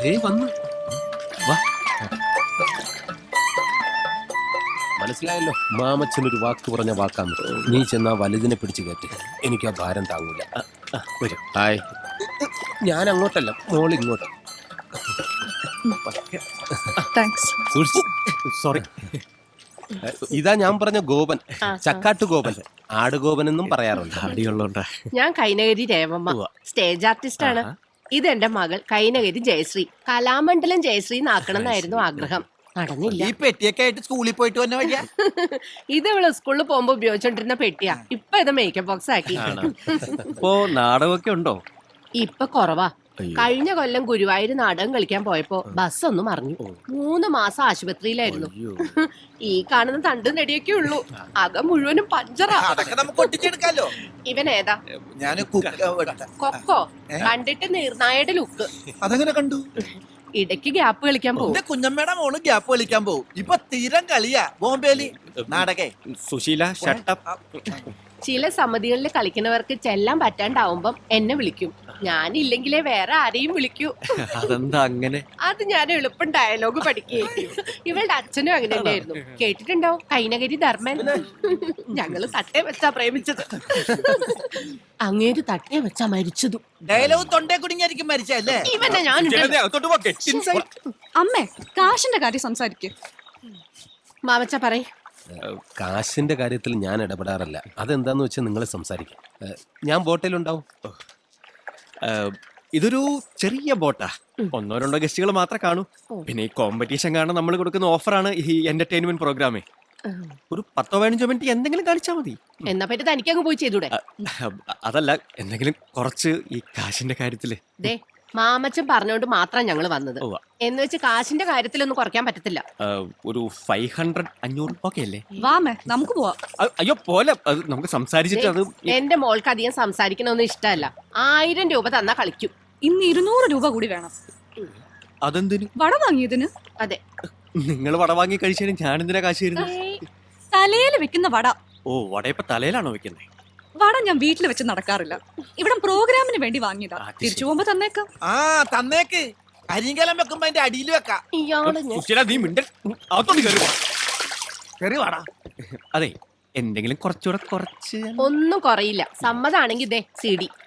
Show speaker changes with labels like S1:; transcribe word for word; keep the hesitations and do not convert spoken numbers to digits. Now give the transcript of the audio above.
S1: വന്നു വാ. മനസ്സിലായല്ലോ, മാമച്ചനൊരു വാക്ക് പറഞ്ഞ വാക്കാന്ന്. നീ ചെന്നാ വലുതിനെ പിടിച്ചു കയറ്റി. എനിക്ക് ആ ഭാരം താങ്ങൂല. വരും. ഹായ്. ഞാൻ അങ്ങോട്ടല്ല, മോൾ ഇങ്ങോട്ട്. സോറി. ഇതാ ഞാൻ പറഞ്ഞ ഗോപൻ, ചക്കാട്ടു ഗോപൻ, ആടുഗോപൻ എന്നും പറയാറുണ്ട്.
S2: അടിയുള്ളോണ്ടാ.
S3: ഞാൻ കൈനകരി രേവമ്മ, സ്റ്റേജ് ആർട്ടിസ്റ്റ് ആണ്. ഇതെന്റെ മകൾ കൈനകരി ജയശ്രീ. കലാമണ്ഡലം ജയശ്രീ എന്നാക്കണം എന്നായിരുന്നു ആഗ്രഹം. നടന്നില്ല.
S4: ഈ പെട്ടിയൊക്കെ ആയിട്ട് സ്കൂളിൽ പോയിട്ട് വന്ന വഴിയാ.
S3: ഇത് ഇവള് സ്കൂളിൽ പോകുമ്പോ ഉപയോഗിച്ചോണ്ടിരുന്ന പെട്ടിയാ. ഇപ്പൊ ഇത് മേക്കപ്പ് ബോക്സ് ആക്കി.
S2: ഇപ്പോ നാടകമൊക്കെ ഉണ്ടോ?
S3: ഇപ്പൊ കുറവാ. കഴിഞ്ഞ കൊല്ലം ഗുരുവായൂർ നാടകം കളിക്കാൻ പോയപ്പോ ബസ് ഒന്ന് മറിഞ്ഞു. മൂന്ന് മാസം ആശുപത്രിയിലായിരുന്നു. ഈ കാണുന്ന തണ്ടും നെടിയൊക്കെ ഉള്ളൂ. അകം മുഴുവനും പഞ്ചറാ.
S4: അതൊക്കെ നമുക്ക് ഒട്ടിച്ചെടുക്കാലോ.
S3: ഇവൻ ഏതാ?
S4: ഞാൻ
S3: കൊക്കോ. കണ്ടിട്ട് നിർണായയുടെ ലുക്ക്.
S4: അതങ്ങനെ കണ്ടു.
S3: ഇടയ്ക്ക് ഗ്യാപ്പ് കളിക്കാൻ പോകും.
S4: കുഞ്ഞമ്മയുടെ മോള് ഗ്യാപ്പ് കളിക്കാൻ പോകും. ഇപ്പൊ തീരം കളിയാ ബോംബേലി നാടകേ.
S2: സുശീല ഷട്ടപ്പ്.
S3: ചില സമിതികളിൽ കളിക്കുന്നവർക്ക് ചെല്ലാൻ പറ്റാണ്ടാവുമ്പം എന്നെ വിളിക്കും. ഞാനില്ലെങ്കിലേ വേറെ ആരെയും വിളിക്കൂ.
S2: അതെന്താ അങ്ങനെ?
S3: അത് ഞാൻ എളുപ്പം ഡയലോഗ് പഠിക്കുകയും. ഇവളുടെ അച്ഛനും അങ്ങനെ തന്നെയായിരുന്നു. കേട്ടിട്ടുണ്ടാവും, കൈനകരി ധർമ്മൻ. ഞങ്ങള് തട്ടേ വെച്ചാ പ്രേമിച്ചത്. അങ്ങേര് തട്ടേ വെച്ചാ മരിച്ചതും.
S4: ഡയലോഗ് തൊണ്ടേ കുടുങ്ങിയായിരിക്കും മരിച്ചല്ലേ.
S3: ഇവനെ ഞാൻ
S5: അമ്മേ, കാശിന്റെ കാര്യം സംസാരിക്കും.
S3: മാമച്ച പറയ്.
S1: കാശിന്റെ കാര്യത്തിൽ ഞാൻ ഇടപെടാറില്ല. അതെന്താന്ന് വെച്ചാൽ നിങ്ങൾ സംസാരിക്കാം. ഞാൻ ബോട്ടിലുണ്ടാവും.
S2: ഇതൊരു ചെറിയ ബോട്ടാ. ഒന്നോ രണ്ടോ ഗസ്റ്റുകൾ മാത്രമേ കാണൂ. പിന്നെ ഈ കോമ്പറ്റീഷൻ കാരണം നമ്മൾ കൊടുക്കുന്ന ഓഫറാണ് ഈ എന്റർടൈൻമെന്റ് പ്രോഗ്രാമേ. ഒരു പത്തോ പതിനഞ്ചോ മിനിറ്റ് എന്തെങ്കിലും കാണിച്ചാൽ മതി.
S3: എന്നാ പറ്റി തനിക്കങ്ങ് പോയി ചെയ്തൂടെ?
S2: അതല്ല, എന്തെങ്കിലും കുറച്ച് ഈ കാശിന്റെ കാര്യത്തില്.
S3: ദേ, മാമച്ചൻ പറഞ്ഞോണ്ട് മാത്രം ഞങ്ങൾ വന്നത്. എന്ന് വെച്ച് കാശിന്റെ കാര്യത്തിലൊന്നും കുറയ്ക്കാൻ പറ്റത്തില്ല.
S2: ഒരു ഫൈവ് ഹൺഡ്രഡ് അഞ്ഞൂറ് ഓക്കെ അല്ലേ?
S5: വാമേ, നമുക്ക് പോവാം.
S2: അയ്യോ പോലെ, നമുക്ക് സംസാരിച്ചിട്ട് അത്.
S3: എന്റെ മോൾക്ക് അധികം സംസാരിക്കണമെന്ന് ഇഷ്ടമല്ല. ആയിരം രൂപ തന്നാ കളിക്കും.
S5: ഇന്ന് ഇരുന്നൂറ് രൂപ കൂടി വേണം.
S2: അതെന്തിനു?
S5: വട വാങ്ങിയതിന്.
S3: അതെ.
S2: നിങ്ങൾ വട വാങ്ങി കഴിച്ചാലും ഞാൻ എന്തിനാ കാശ് തരുന്നത്?
S5: തലയിൽ വെക്കുന്ന വട.
S2: ഓ, വടയപ്പ തലയിലാണോ വെക്കുന്നത്?
S5: വട ഞാൻ വീട്ടിൽ വെച്ച് നടക്കാറില്ല. ഇവിടെ പ്രോഗ്രാമിന് വേണ്ടി വാങ്ങിയതാ. തിരിച്ചു പോകുമ്പോ തന്നേക്കാം.
S4: ആ തന്നേക്ക്. അരിങ്കലം വെക്കുമ്പോ അതിന്റെ അടിയിൽ വെക്കാം.
S3: ഇയാള്
S2: അതെ, എന്തെങ്കിലും കുറച്ചുകൂടെ കുറച്ച്.
S3: ഒന്നും കുറയില്ല. സമ്മതാണെങ്കിൽ ഇതേ സി ഡി